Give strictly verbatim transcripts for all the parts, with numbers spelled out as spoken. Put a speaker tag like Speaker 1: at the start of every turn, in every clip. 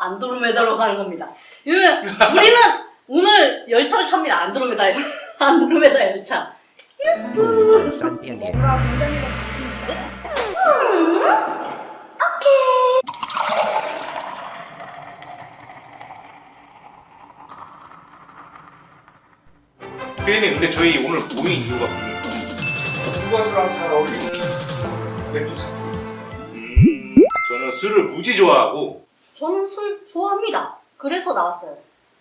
Speaker 1: 안드로메다로 가는 겁니다. 우리는 오늘 열차를 탑니다. 안드로메다 안드로메다 열차.
Speaker 2: 뭔가 굉장히 더 같이 있는데?
Speaker 3: 피디님, 근데 저희 오늘 모인 이유가 뭡니까?
Speaker 4: 군것이랑 잘 어울리는 맥주 찾기.
Speaker 3: 음, 저는 술을 무지 좋아하고
Speaker 1: 저는 술 좋아합니다. 그래서 나왔어요.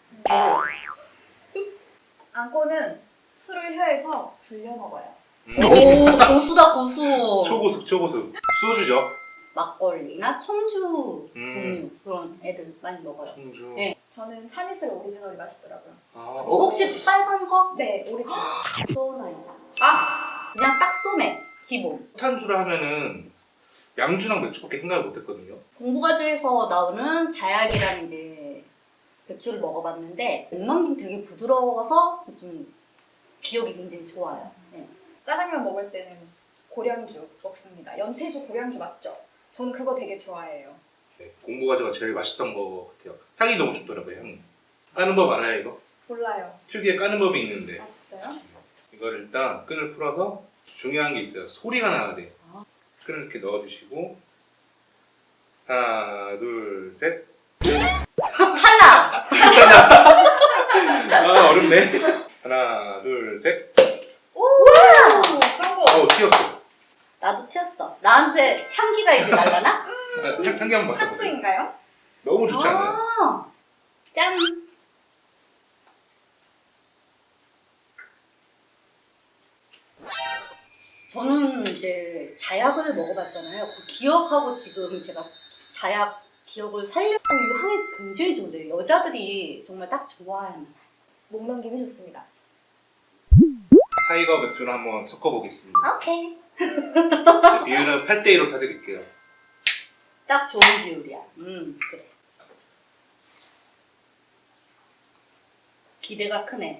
Speaker 2: 안고는 술을 혀에서 굴려 먹어요.
Speaker 3: 음,
Speaker 1: 오, 고수다 고수.
Speaker 3: 초고수, 초고수. 소주죠.
Speaker 1: 막걸리나 청주
Speaker 3: 음.
Speaker 1: 종류 그런 애들 많이 먹어요.
Speaker 3: 청주.
Speaker 1: 네.
Speaker 2: 저는 참이슬 오리지널이 맛있더라고요.
Speaker 3: 아, 어?
Speaker 1: 혹시 빨간 거?
Speaker 2: 네, 오리지널.
Speaker 1: 소나요. 아, 그냥 딱 소맥 기본.
Speaker 3: 탄주를 하면은 양주랑 맥주밖에 생각을 못했거든요.
Speaker 1: 공부가주에서 나오는 자약이라는 이제 맥주를 먹어봤는데 목넘김 되게 부드러워서 좀 기억이 굉장히 좋아요. 네.
Speaker 2: 짜장면 먹을 때는 고량주 먹습니다. 연태주 고량주 맞죠? 저는 그거 되게 좋아해요.
Speaker 3: 네, 공부가주가 제일 맛있던 것 같아요. 향이 너무 좋더라고요, 향이. 까는 법 알아요, 이거?
Speaker 2: 몰라요.
Speaker 3: 특유의 까는 법이 있는데
Speaker 2: 아, 진짜요?
Speaker 3: 이걸 일단 끈을 풀어서 중요한 게 있어요. 소리가 나야 돼.
Speaker 1: 아.
Speaker 3: 끈을 이렇게 넣어주시고 하나, 둘, 셋.
Speaker 1: 탈락!
Speaker 3: 아, 어렵네. 하나, 둘, 셋.
Speaker 2: 오! 성공!
Speaker 3: 어, 튀었어.
Speaker 1: 나도 튀었어. 나한테 향기가 이제 날라나?
Speaker 3: 아, 향, 향기 한번 맡아보세요.
Speaker 2: 탁수인가요?
Speaker 3: 너무 좋지 않아요?
Speaker 1: 아, 짠! 저는 이제 자약을 먹어봤잖아요. 그 기억하고 지금 제가 자약 기억을 살려고 이 향이 굉장히 좋은데요. 여자들이 정말 딱 좋아할 만한.
Speaker 2: 목 넘김이 좋습니다.
Speaker 3: 타이거 맥주를 한번 섞어보겠습니다.
Speaker 1: 오케이.
Speaker 3: 비율은 팔 대 이로 타드릴게요.
Speaker 1: 딱 좋은 비율이야. 음, 그래. 기대가 크네.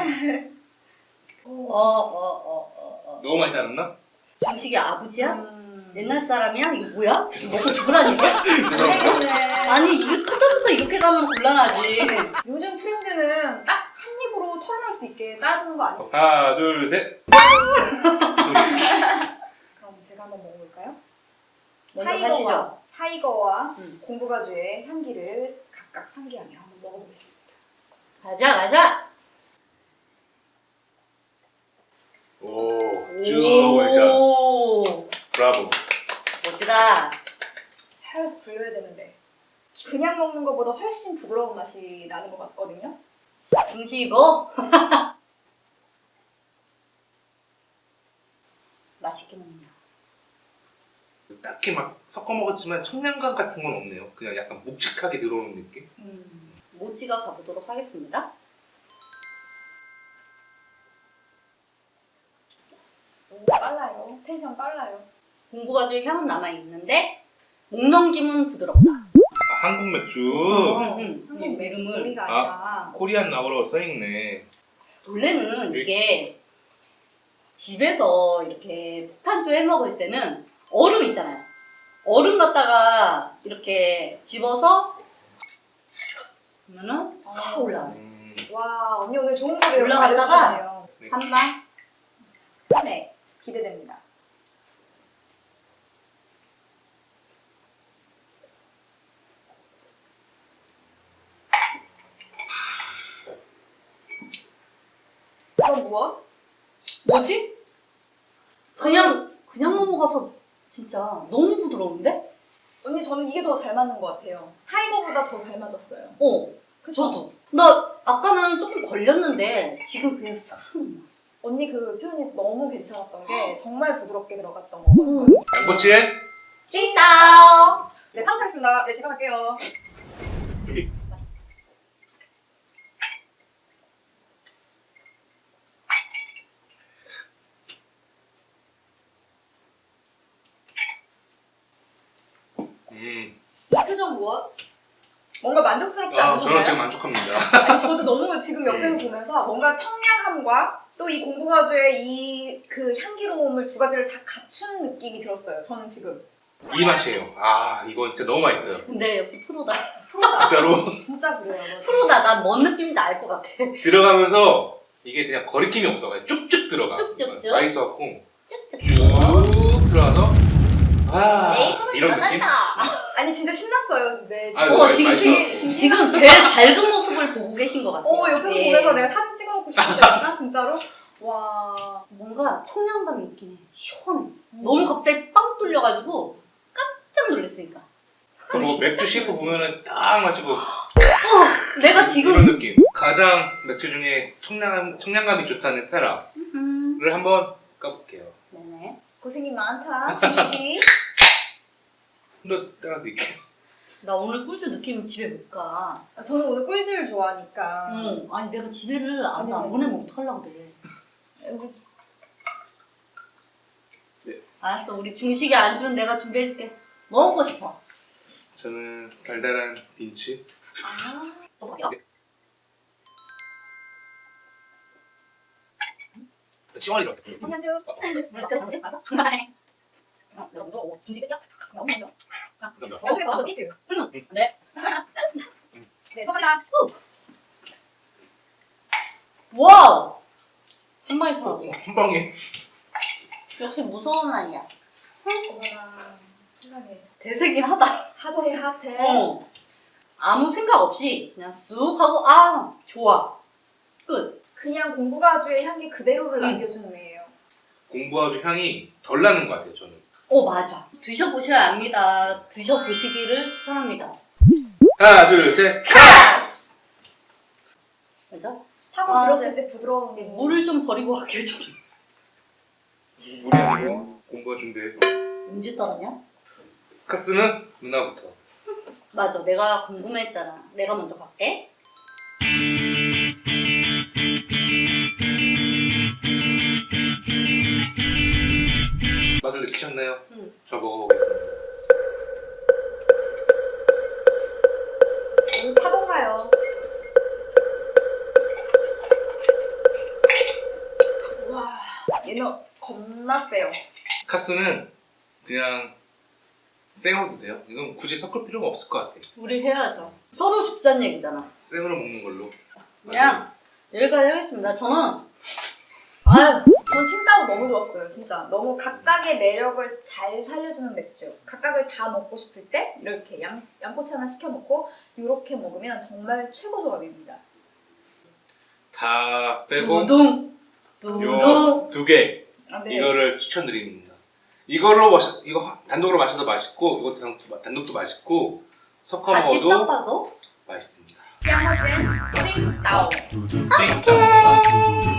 Speaker 1: 어,
Speaker 2: 오.
Speaker 1: 어, 어, 어, 어.
Speaker 3: 너무 많이 따랐나?
Speaker 1: 중식이 아버지야?
Speaker 2: 음.
Speaker 1: 옛날 사람이야? 이거 뭐야? 먹고 죽으라니까?
Speaker 2: 모르겠네.
Speaker 1: 아니, 이거 초장부터 이렇게 가면 곤란하지.
Speaker 2: 요즘 트렌드는 딱 한 입으로 털어낼 수 있게 따르는 거 아니에요?
Speaker 3: 하나, 둘, 셋.
Speaker 2: 그럼 제가 한번 먹어볼까요?
Speaker 1: 먼저
Speaker 2: 타이거와,
Speaker 1: 하시죠.
Speaker 2: 타이거와
Speaker 1: 음.
Speaker 2: 공부가주의 향기를 각각 상기하며 한번 먹어보겠습니다.
Speaker 1: 가자, 가자.
Speaker 3: 오, 쭉 원샷.
Speaker 1: 오,
Speaker 3: 브라보.
Speaker 1: 멋지다.
Speaker 2: 혀에서 굴려야 되는데 그냥 먹는 것보다 훨씬 부드러운 맛이 나는 것 같거든요.
Speaker 1: 중식이고. 맛있게 먹냐.
Speaker 3: 딱히 막 섞어 먹었지만 청량감 같은 건 없네요. 그냥 약간 묵직하게 들어오는 느낌?
Speaker 1: 음, 모찌가 가보도록 하겠습니다.
Speaker 2: 오, 빨라요. 텐션 빨라요.
Speaker 1: 공부가주의 향은 남아있는데 목넘김은 부드럽다.
Speaker 3: 아, 한국 맥주.
Speaker 1: 음, 음,
Speaker 2: 한국
Speaker 1: 음,
Speaker 2: 맥
Speaker 1: 이름을
Speaker 2: 우리가 아니라
Speaker 3: 코리안 나우라고 써있네.
Speaker 1: 원래는 이게 집에서 이렇게 폭탄주 해 먹을 때는 얼음 있잖아요. 얼음 갖다가 이렇게 집어서 그러면은 확 올라와요.
Speaker 3: 음,
Speaker 2: 와 언니 오늘 좋은 거 배우고
Speaker 1: 올라갔다가
Speaker 2: 알려주시네요.
Speaker 3: 네.
Speaker 1: 한 방.
Speaker 2: 네 기대됩니다. 이건 무엇?
Speaker 1: 뭐지? 그냥 그냥 넘어가서 진짜 너무 부드러운데?
Speaker 2: 언니 저는 이게 더 잘 맞는 것 같아요. 타이거보다 더 잘 맞았어요.
Speaker 1: 어,
Speaker 2: 그쵸?
Speaker 1: 저도. 나 아까는 조금 걸렸는데 지금 그냥 싹 넘어갔어.
Speaker 2: 언니 그 표현이 너무 괜찮았던 게 정말 부드럽게 들어갔던 거거든요.
Speaker 3: 양꼬치에
Speaker 1: 찐따오.
Speaker 2: 네, 파악하겠습니다. 네, 시작할게요.
Speaker 3: 여기. 음,
Speaker 2: 이 표정 무엇? 뭔가 만족스럽지
Speaker 3: 아, 저는 되게
Speaker 2: 않으셨나요?
Speaker 3: 만족합니다.
Speaker 2: 아니, 저도 너무 지금 옆에서
Speaker 3: 음.
Speaker 2: 보면서 뭔가 청량함과 또 이 공부가주의 이 그 향기로움을 두 가지를 다 갖춘 느낌이 들었어요. 저는 지금
Speaker 3: 이 맛이에요. 아 이거 진짜 너무 맛있어요.
Speaker 1: 근데 역시 프로다.
Speaker 3: 진짜로
Speaker 2: 진짜 그래요. 맞아.
Speaker 1: 프로다. 난 뭔 느낌인지 알 것 같아.
Speaker 3: 들어가면서 이게 그냥 거리낌이 없어. 그냥 쭉쭉 들어가.
Speaker 1: 쭉쭉쭉.
Speaker 3: 맛있어갖고
Speaker 1: 쭉쭉.
Speaker 3: 쭉 들어가서 아
Speaker 1: 내 입으로
Speaker 3: 이런 느낌?
Speaker 1: 들어간다.
Speaker 2: 아니 진짜 신났어요. 네.
Speaker 3: 아유,
Speaker 1: 어, 지금,
Speaker 3: 맛있어.
Speaker 1: 지금, 지금 제일 밝은 모습을 보고 계신 것 같아요.
Speaker 2: 어 옆에서
Speaker 1: 예.
Speaker 2: 보면서 내가 사진 찍어놓고 싶었다니까 진짜로. 와.
Speaker 1: 뭔가 청량감이 있긴 해. 시원해. 너무 갑자기 빵 뚫려가지고 깜짝 놀랐으니까.
Speaker 3: 그뭐 맥주 씹고 보면은 딱 마시고
Speaker 1: 내가
Speaker 3: 이런
Speaker 1: 지금
Speaker 3: 느낌. 가장 맥주 중에 청량 청량감이 좋다는 테라를
Speaker 1: 음.
Speaker 3: 한번 까볼게요.
Speaker 1: 네네.
Speaker 2: 고생이 많다. 중식이.
Speaker 3: 한번 따라 드릴게요.
Speaker 1: 나 오늘 꿀주 느낌 집에 못 가.
Speaker 2: 저는 오늘 꿀집을 좋아하니까.
Speaker 1: 응. 아니 내가 집에를 안,
Speaker 2: 아니,
Speaker 1: 안
Speaker 2: 아니.
Speaker 1: 보내면 어떡하려고 그래.
Speaker 2: 여기
Speaker 1: 알았어. 우리 중식이 안주는 내가 준비해줄게. 뭐 먹고 싶어?
Speaker 3: 저는 달달한 빈츠.
Speaker 1: 아. 또 가요?
Speaker 3: 시원하게 들었어요.
Speaker 2: 한잔주.
Speaker 1: 맞아? 정말. 어, 내가 먼저 어, 중식이야?
Speaker 2: 너무 먼저.
Speaker 3: 감사합니다.
Speaker 2: 여기서 너 끼지?
Speaker 1: 응. 네.
Speaker 2: 네, 소감이다.
Speaker 1: 와우. 한 방에 털어.
Speaker 3: 한 방에
Speaker 1: 역시 무서운 아이야.
Speaker 2: 어머나. 세상에.
Speaker 1: 대세긴 하다.
Speaker 2: 핫해 핫해.
Speaker 1: 어. 아무 생각 없이 그냥 쑥 하고 아 좋아. 끝.
Speaker 2: 그냥 공부가주의 향기 그대로를
Speaker 1: 응.
Speaker 2: 남겨주는 애예요.
Speaker 3: 공부아주 향이 덜 나는 것 같아요. 저는.
Speaker 1: 어 맞아. 드셔보셔야 압니다. 드셔보시기를 추천합니다.
Speaker 3: 하나 둘 셋.
Speaker 1: 카스. 그죠?
Speaker 2: 타고
Speaker 1: 아,
Speaker 2: 들었을 때 부드러운
Speaker 1: 물을 좀 버리고 갈게요 저기.
Speaker 3: 물이 아니고 공부아주인데.
Speaker 1: 언제 따랐냐?
Speaker 3: 카스는 누나부터.
Speaker 1: 맞아. 내가 궁금했잖아. 내가 먼저 갈게.
Speaker 3: 맛을 느끼셨나요?
Speaker 1: 응.
Speaker 3: 저 먹어보겠습니다.
Speaker 2: 오늘 파던가요. 와 얘는 겁나 세요.
Speaker 3: 카스는 그냥 생으로 드세요. 이건 굳이 섞을 필요가 없을 것 같아요.
Speaker 1: 우리 해야죠. 서로 죽자는 얘기잖아.
Speaker 3: 생으로 먹는 걸로.
Speaker 1: 그냥 여기까지 하겠습니다. 저는 아유
Speaker 2: 전 칭따오 너무 좋았어요. 진짜 너무 각각의 매력을 잘 살려주는 맥주. 각각을 다 먹고 싶을 때 이렇게 양, 양꼬치 하나 시켜놓고 이렇게 먹으면 정말 최고 조합입니다.
Speaker 3: 다 빼고
Speaker 1: 두둥 두둥.
Speaker 3: 요 두 개
Speaker 2: 아, 네.
Speaker 3: 이거를 추천드립니다. 이걸로 마시, 이거 단독으로 마셔도 맛있고 이것도 단독도, 단독도 맛있고 섞어
Speaker 1: 같이
Speaker 3: 먹어도
Speaker 1: 섞어도
Speaker 3: 맛있습니다.
Speaker 2: 짱어진 칭따오.
Speaker 3: 띵.